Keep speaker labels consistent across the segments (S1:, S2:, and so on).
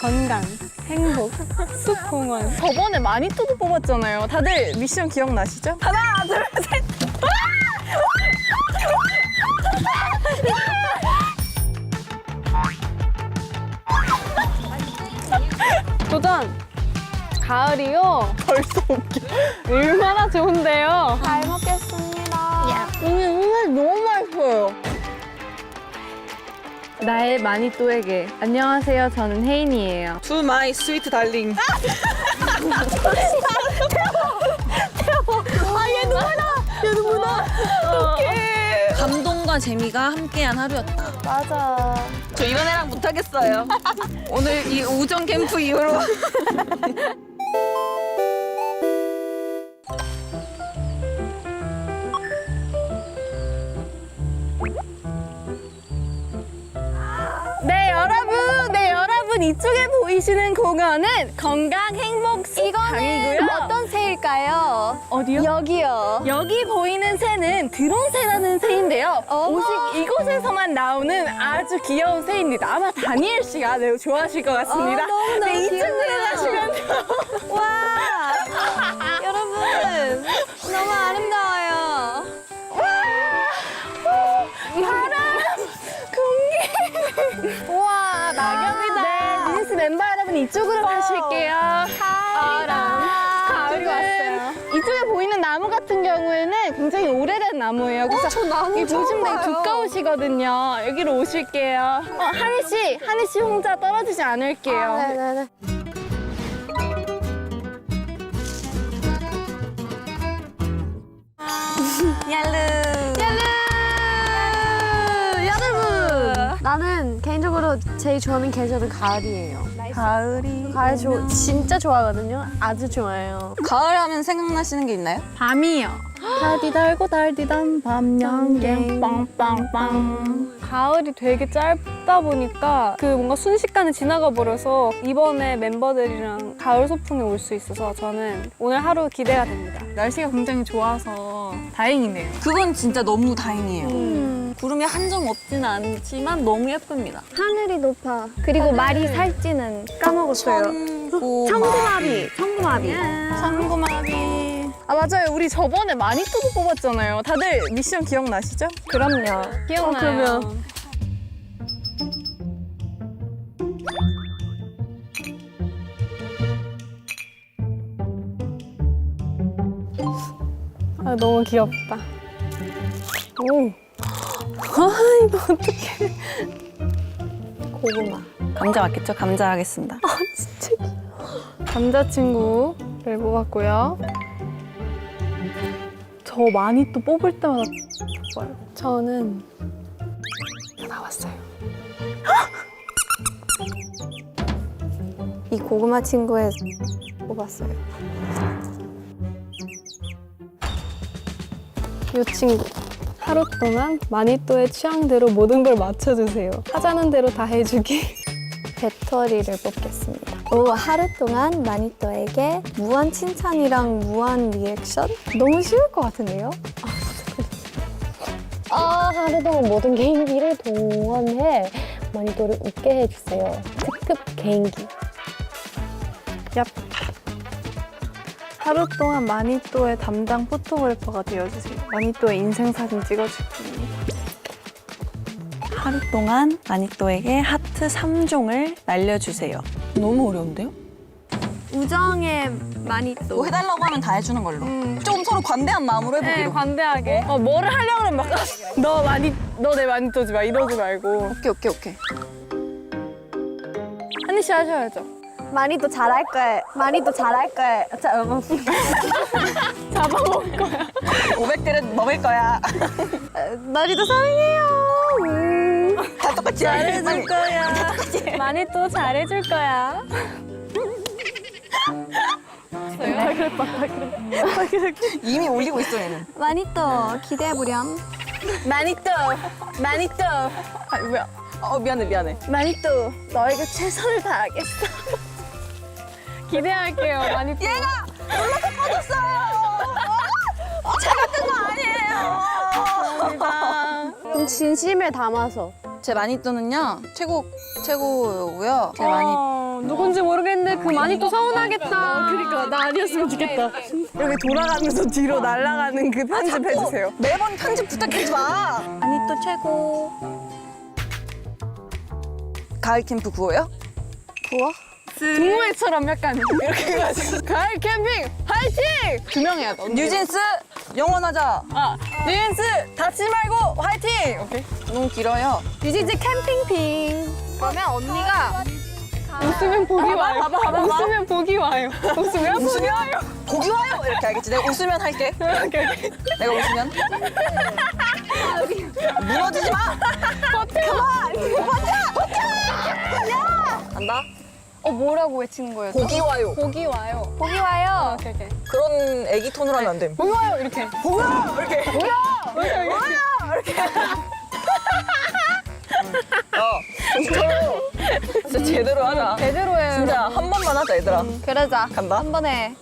S1: 건강, 행복, 숲공원.
S2: 저번에 마니또도 뽑았잖아요. 다들 미션 기억나시죠? 하나, 둘, 셋.
S1: 도전! 가을이요?
S2: 벌써 웃겨.
S1: 얼마나 좋은데요?
S3: 잘 먹겠습니다.
S2: 오늘 너무 맛있어요.
S1: 나의 마니또에게. 안녕하세요, 저는 혜인이에요.
S2: To my sweet darling.
S4: 감동과 재미가 함께한 하루였다.
S3: 맞아.
S4: 저 이런 애랑 못하겠어요. 오늘 이 우정 캠프 이후로.
S2: 네, 여러분 이쪽에 보이시는 공원은 건강 행복 숲강이고요.
S3: 어떤 새일까요?
S2: 어디요?
S3: 여기요.
S2: 여기 보이는 새는 드론새라는 새인데요.
S3: 어머.
S2: 오직 이곳에서만 나오는 아주 귀여운 새입니다. 아마 다니엘 씨가 매우 좋아하실 것 같습니다.
S3: 너무너무
S2: 네, 이쪽으로
S3: 귀엽네요.
S2: 가시면
S3: 와. 여러분, 너무 아름다워요.
S2: 우와, 낙엽이다. 네, 뉴스 멤버 여러분 이쪽으로 가실게요.
S3: 가을이 왔어요.
S2: 이쪽에 보이는 나무 같은 경우에는 굉장히 오래된 나무예요. 그래서
S3: 저 나무
S2: 여기
S3: 처음
S2: 보시면 되게
S3: 봐요.
S2: 두꺼우시거든요. 여기로 오실게요. 하니 씨 혼자 떨어지지 않을게요.
S3: 네네네. 여러분! 나는 개인적으로 제일 좋아하는 계절은 가을이에요. 가을 진짜 좋아하거든요. 아주 좋아해요.
S4: 가을 하면 생각나시는 게 있나요?
S1: 밤이요. 달디 달고 달디단 밤 양갱 빵빵빵. 가을이 되게 짧다 보니까 그 뭔가 순식간에 지나가 버려서 이번에 멤버들이랑 가을 소풍에 올 수 있어서 저는 오늘 하루 기대가 됩니다.
S2: 날씨가 굉장히 좋아서 다행이네요.
S4: 그건 진짜 너무 다행이에요. 구름이 한 점 없지는 않지만 너무 예쁩니다.
S3: 하늘이 높아. 그리고 말이 살찌는 까먹었어요. 청구마비.
S2: 상구마비. 아, 맞아요. 우리 저번에 마니또도 뽑았잖아요. 다들 미션 기억나시죠?
S3: 그럼요.
S1: 기억나요?
S3: 그러면.
S1: 아, 너무 귀엽다. 오. 아, 이거 어떡해.
S3: 고구마.
S4: 감자 맞겠죠? 감자 하겠습니다.
S1: 남자친구를 뽑았고요. 저 마니또 뽑을 때마다 뽑아요. 저는 나왔어요.
S3: 이 고구마 친구에 뽑았어요.
S1: 이 친구. 하루 동안 마니또의 취향대로 모든 걸 맞춰주세요. 하자는 대로 다 해주기.
S3: 배터리를 뽑겠습니다. 오, 하루 동안 마니또에게 무한 칭찬이랑 무한 리액션? 너무 쉬울 것 같은데요? 하루 동안 모든 개인기를 동원해 마니또를 웃게 해주세요. 특급 개인기.
S1: 얍. 하루 동안 마니또의 담당 포토그래퍼가 되어주세요. 마니또의 인생사진 찍어줄게요.
S4: 하루 동안 마니또에게 하트 3종을 날려주세요. 너무 어려운데요?
S3: 우정의 마니또.
S4: 뭐 해달라고 하면 다 해주는 걸로. 좀 서로 관대한 마음으로
S1: 네,
S4: 해보기로.
S1: 관대하게.
S2: 뭐를 하려고 그러면 막 너 내 마니또지 마 이러지 말고.
S4: 오케이.
S2: 한니 씨 하셔야죠.
S3: 마니또 잘할 거예요. 마니또 잘할 거예요.
S2: 잡아먹을 거야.
S4: 500그릇 먹을 거야.
S3: 마니또 사랑해요.
S4: 다 똑같이 잘해줄 거야.
S1: 마니또 잘해줄 거야.
S4: 이미 올리고 있어 얘는.
S3: 마니또 기대해보렴.
S2: 마니또. 아, 뭐야.
S4: 미안해.
S2: 마니또, 너에게 최선을 다하겠어.
S1: 기대할게요, 마니또.
S4: 얘가 올라서 꺼졌어요. 제가 뜬 거 아니에요.
S3: 좀 진심을 담아서.
S4: 제 마니또는요 최고고요. 제
S1: 누구 뭔지 모르겠는데 그 마니또 서운하겠다.
S2: 그러니까 나 아니었으면 좋겠다. 여기 돌아가면서 뒤로 날아가는 그 편집 해주세요.
S4: 매번 편집 부탁하지 마. 아니 또 최고. 가을 캠프 구호요?
S3: 구워?
S2: 동호회처럼 약간 이렇게 해가지고 가을 캠핑 화이팅! 두 명 해야 돼. 언니.
S4: 뉴진스 영원하자. 뉴진스 다치지 말고 화이팅.
S2: 오케이.
S4: 너무 길어요.
S1: 유진지 캠핑핑.
S2: 그러면 언니가
S1: 웃으면 복이 와요.
S4: 봐봐.
S1: 웃으면 복이 와요. 웃으면 복이 와요.
S4: 고기 와요 이렇게 알겠지? 내가 웃으면 할게. 내가 웃으면. 무너지지 마. 간다.
S3: 뭐라고 외치는 거예요?
S4: 고기 와요.
S1: 복이 와요.
S3: 고기 와요.
S1: 오케이.
S4: 그런 애기 톤으로 하면 안 돼.
S1: 복이 와요. 이렇게.
S4: 진짜 제대로 하자.
S1: 제대로 해요.
S4: 진짜 한 번만 하자 얘들아.
S3: 그러자.
S4: 간다.
S3: 한 번에.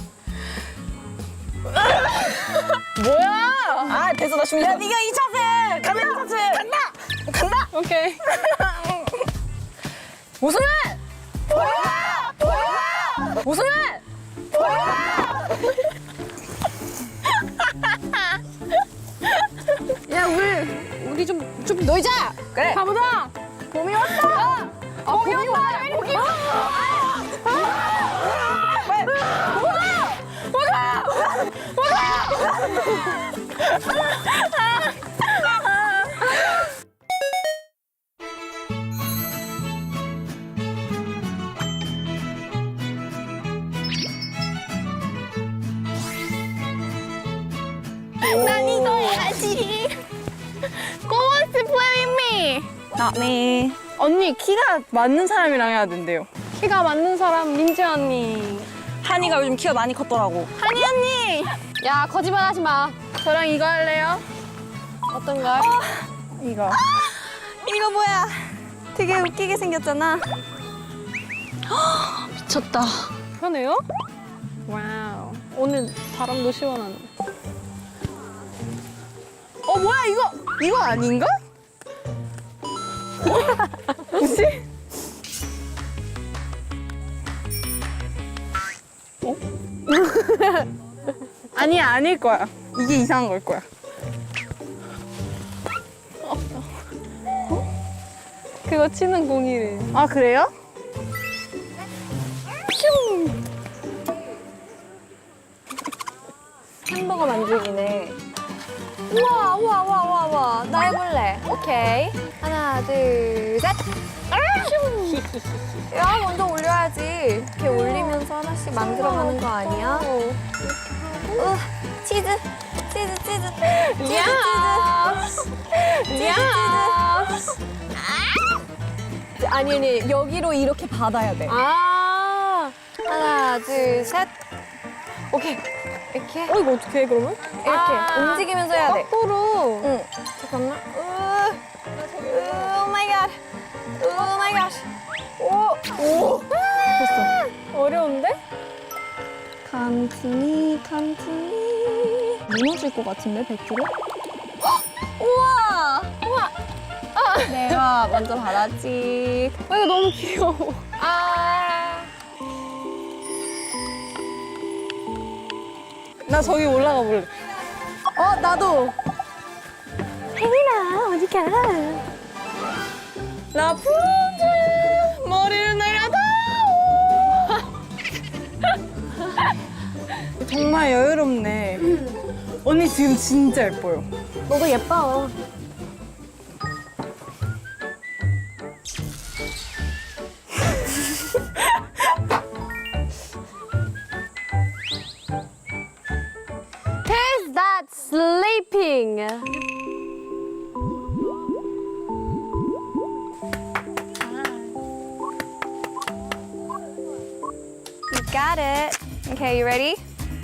S4: 뭐야? 아 됐어 나 준비. 야 네가 2차세. 카메라 차세. 간다.
S1: 오케이.
S4: 웃으면. 웃으면.
S1: 야 우리 좀 놀자.
S4: 그래.
S1: 가보자. 봄이 왔다. 봄이 왔다. 봄이
S3: 난 이거 해야지. Who wants to play with me?
S4: Not me.
S2: 언니 키가 맞는 사람이랑 해야 된대요.
S1: 키가 맞는 사람 민지 언니.
S4: 한이가 요즘 키가 많이 컸더라고.
S3: 한이 언니.
S1: 야 거짓말하지 마.
S2: 저랑 이거 할래요?
S1: 어떤 걸?
S2: 이거.
S3: 이거 뭐야? 되게 웃기게 생겼잖아.
S4: 미쳤다.
S1: 편해요? 와우. 오늘 바람도 시원하네.
S2: 뭐야 이거 아닌가? 뭐지? 아니야 아닐 거야. 이게 이상한 걸 거야.
S1: 그거 치는 공이래.
S2: 아 그래요?
S3: 햄버거 만들기네. 우와. 나 해볼래. 오케이. 하나, 둘, 셋. 야, 먼저 올려야지. 이렇게 올리면서 하나씩 만들어가는 거 아니야? 치즈. 아니, 여기로 이렇게 받아야 돼.
S1: 아.
S3: 하나, 둘, 셋. 오케이. 이렇게.
S1: 이거 어떻게 해 그러면?
S3: 이렇게 움직이면서 해야 돼.
S1: 거꾸로.
S3: 응. 잠깐만. 오 마이 갓. 오 마이 갓. 오. 됐어.
S1: 어려운데?
S3: 칸티니. 무너질 것 같은데, 100kg? 우와. 내가 먼저 받았지.
S1: 이거 너무 귀여워.
S2: 나 저기 올라가 볼래.
S3: 나도. 혜민아, 어디 가?
S2: 라푼젤 머리를 내려다. 정말 여유롭네. 언니 지금 진짜 예뻐요.
S3: 너도 예뻐.
S1: Who's that sleeping?
S3: You got it. Okay, you ready?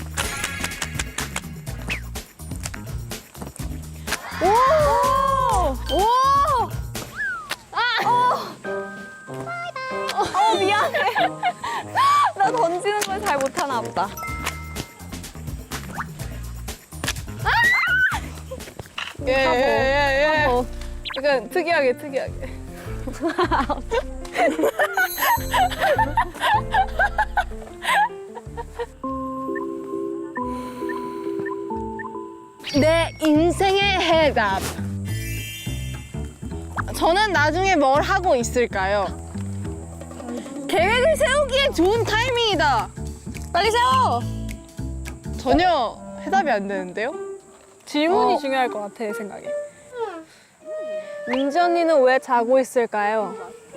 S3: 미안해. 나 던지는 걸 잘 못하나 보다.
S2: 예. 약간 특이하게. 저는 나중에 뭘 하고 있을까요? 계획을 세우기에 좋은 타이밍이다.
S4: 빨리 세워.
S2: 전혀 해답이 안 되는데요?
S1: 질문이 중요할 것 같아, 내 생각에. 민지 언니는 왜 자고 있을까요?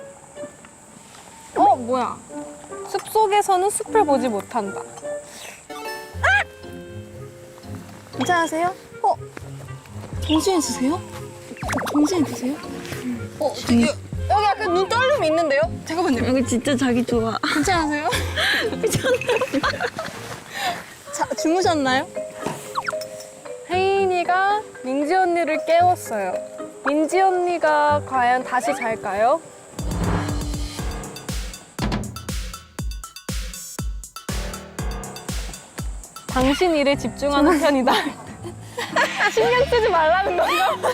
S1: 뭐야. 숲속에서는 숲을 보지 못한다.
S2: 괜찮으세요?
S4: 정신이 드세요? 정신이 드세요?
S2: 여기 약간 눈 떨림이 있는데요? 잠깐만요.
S4: 여기 진짜 자기 좋아.
S2: 괜찮으세요? 자, 주무셨나요?
S1: 혜인이가 민지 언니를 깨웠어요. 민지 언니가 과연 다시 잘까요? 당신 일에 집중하는 편이다. 신경 쓰지 말라는 건가?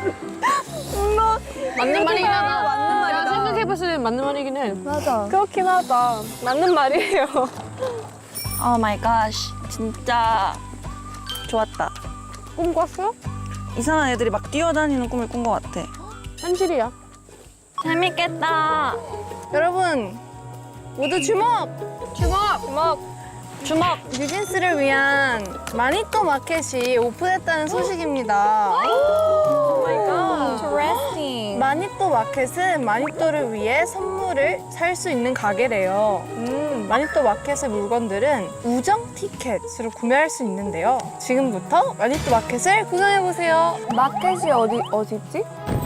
S4: 맞는 말이잖아. 맞는 말이다.
S1: 생각해봤을 때 맞는 말이긴 해.
S3: 맞아.
S1: 그렇긴 하다. 맞는 말이에요.
S4: 오 마이 갓. 진짜 좋았다.
S1: 꿈 꿨어?
S4: 이상한 애들이 막 뛰어다니는 꿈을 꾼 것 같아.
S1: 현실이야.
S4: 재밌겠다.
S2: 여러분, 모두 주목! 주목! 뉴진스를 위한 마니또 마켓이 오픈했다는 소식입니다.
S3: Interesting.
S2: 마니또 마켓은 마니또를 위해 선물을 살 수 있는 가게래요. 마니또 마켓의 물건들은 우정 티켓으로 구매할 수 있는데요. 지금부터 마니또 마켓을 구경해보세요.
S3: 마켓이 어디 있지?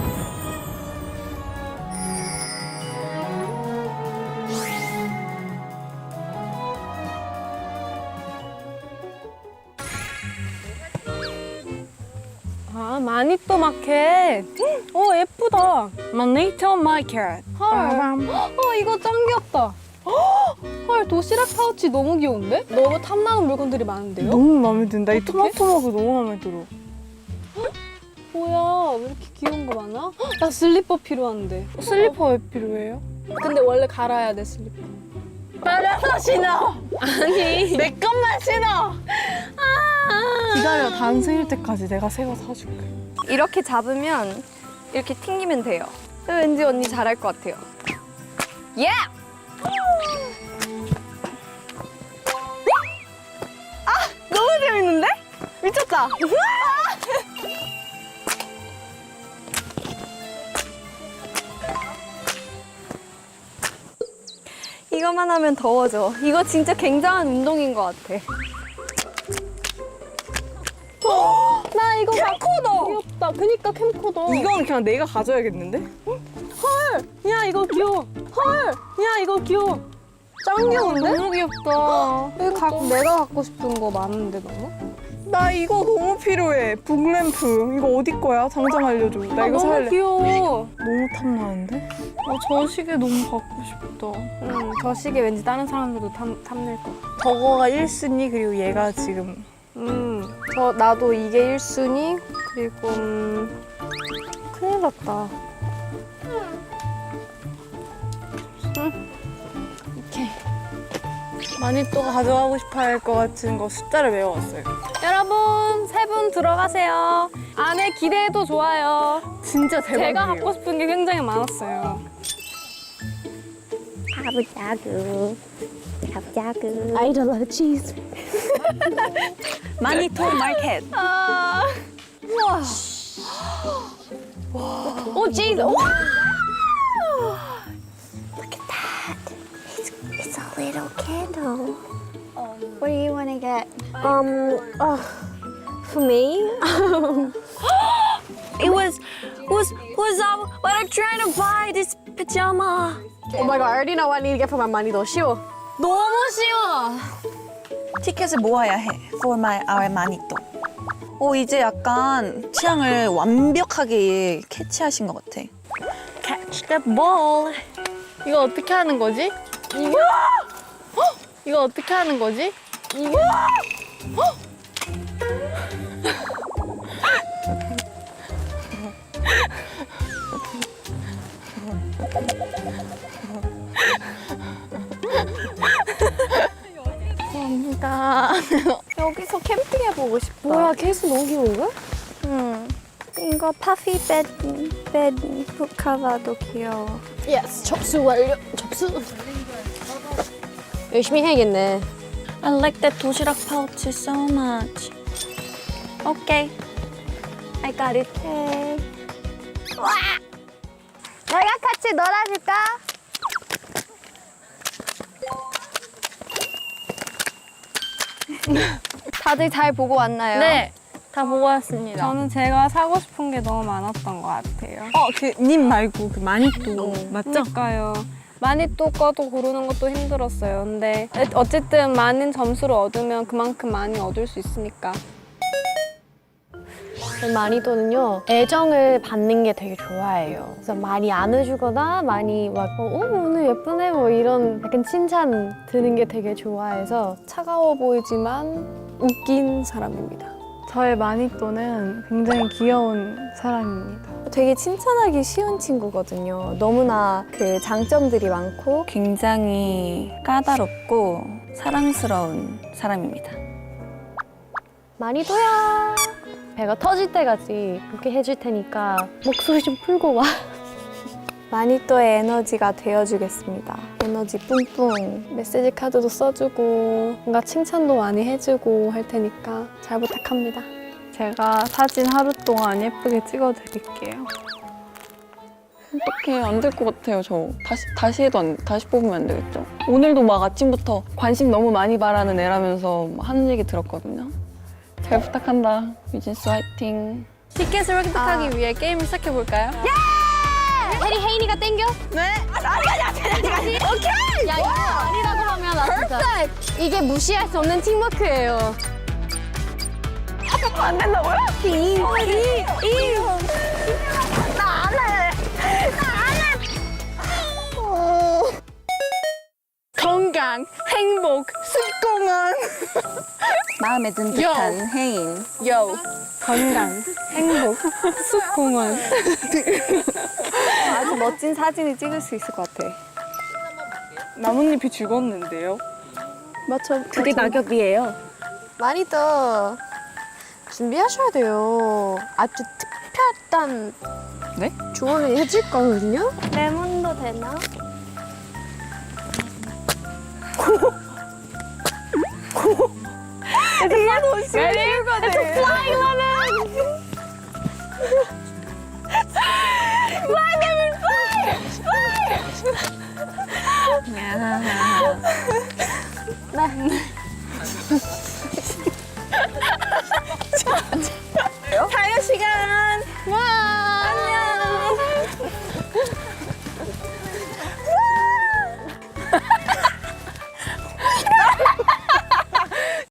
S1: 아, 마니또 마켓. 예쁘다.
S2: 마니또 마켓.
S1: 헐. 이거 짱 귀엽다. 헐, 도시락 파우치 너무 귀여운데? 너무 탐나는 물건들이 많은데요?
S2: 너무 마음에 든다. 이 토마토 머그 너무 마음에 들어.
S1: 뭐야, 왜 이렇게 귀여운 거 많아? 나 슬리퍼 필요한데.
S2: 슬리퍼 왜 필요해요?
S1: 근데 원래 갈아야 돼, 슬리퍼.
S2: 빨려서 신어!
S1: 아니.
S2: 내 것만 신어! 기다려, 다음 생일 때까지 내가 새 거 사줄게.
S3: 이렇게 잡으면 이렇게 튕기면 돼요. 왠지 언니 잘할 것 같아요. 예!
S2: 너무 재밌는데? 미쳤다!
S3: 이거만 하면 더워져. 이거 진짜 굉장한 운동인 것 같아.
S1: 나 이거 캠코더. 귀엽다. 그니까 캠코더.
S2: 이건 그냥 내가 가져야겠는데?
S1: 야, 이거 귀여워. 헐! 야, 이거 귀여워. 짱 귀여운데?
S2: 너무 귀엽다.
S1: 여기 내가 갖고 싶은 거 많은데, 너무?
S2: 나 이거 너무 필요해. 북램프. 이거 어디 거야? 당장 알려줘. 나 이거
S1: 너무
S2: 살래.
S1: 귀여워.
S2: 너무 탐나는데? 저 시계 너무 갖고 싶다.
S1: 저 시계 왠지 다른 사람들도 탐낼 거.
S2: 저거가 1순위 그리고 얘가 지금
S1: 나도 이게 1순위. 그리고 큰일 났다.
S2: 마니또가 가져가고 싶어 할 것 같은 거 숫자를 외워왔어요.
S1: 여러분, 세 분 들어가세요. 안에 기대해도 좋아요.
S2: 진짜 대박이에요.
S1: 제가 갖고 싶은 게 굉장히 많았어요.
S3: 자부자구. 자부자구.
S1: I don't like cheese.
S4: 마니또 마켓.
S1: 오, cheese. 오!
S3: It's a little candle. What do you want to get? For me?
S4: It was what I'm trying to buy this pajama.
S1: Oh my god, I already know what I need to get for my money though. 쉬워.
S4: 너무 쉬워. 티켓을 모아야 해. For our 마니또. 이제 약간 취향을 완벽하게 캐치하신 것 같아. Catch the ball.
S2: 이거 어떻게 하는 거지? 이거 어떻게 하는 거지?
S3: 여기서 캠핑해보고 싶다.
S1: 뭐야, 케이스 너무 귀여운데?
S3: 이거 파피 벳 북카바도 귀여워.
S5: 예스, 접수 완료. 접수. 열심히 해야겠네.
S3: I like that 도시락 pouch so much. Okay. I got it. Okay. 와! 내가 같이 놀아줄까? 다들 잘 보고 왔나요?
S1: 네.
S3: 다 보고 왔습니다.
S1: 저는 제가 사고 싶은 게 너무 많았던 것 같아요.
S2: 그 님 말고 그 마니또 맞죠?
S1: 그러니까요. 마니또 거도 고르는 것도 힘들었어요. 근데 어쨌든 많은 점수를 얻으면 그만큼 많이 얻을 수 있으니까.
S5: 마니또는요, 애정을 받는 게 되게 좋아해요. 그래서 많이 안아주거나 많이 막, 오늘 예쁘네, 뭐 이런 약간 칭찬 드는 게 되게 좋아해서 차가워 보이지만 웃긴 사람입니다.
S2: 저의 마니또는 굉장히 귀여운 사람입니다.
S3: 되게 칭찬하기 쉬운 친구거든요. 너무나 그 장점들이 많고
S6: 굉장히 까다롭고 사랑스러운 사람입니다.
S5: 마니또야! 배가 터질 때까지 그렇게 해줄 테니까 목소리 좀 풀고 와.
S3: 마니또의 에너지가 되어주겠습니다. 에너지 뿜뿜.
S1: 메시지 카드도 써주고 뭔가 칭찬도 많이 해주고 할 테니까 잘 부탁합니다.
S2: 제가 사진 하루 동안 예쁘게 찍어드릴게요.
S6: 어떡해, 안 될 것 같아요, 저. 다시 해도 다시 뽑으면 안 되겠죠? 오늘도 막 아침부터 관심 너무 많이 바라는 애라면서 막 하는 얘기 들었거든요. 잘 부탁한다. 유진스 화이팅.
S1: 티켓을 획득하기 위해 게임을 시작해볼까요?
S5: 해리 혜인이가 땡겨? 네. 오케이. 야 이거 아니라고 하면 나 진짜. 이게 무시할 수 없는 팀워크예요.
S6: 안 된다고요?
S2: 건강, 행복, 습공한.
S6: 마음에 든 듯한 혜인.
S1: 건강, 행복, 숲공원.
S3: 아주 멋진 사진을 찍을 수 있을 것 같아.
S2: 나뭇잎이 죽었는데요.
S3: 맞춰.
S6: 그게 낙엽이에요.
S5: 마니또 준비하셔야 돼요. 아주 특별한
S6: 네?
S5: 조언을 해줄 거거든요.
S3: 레몬도 되나?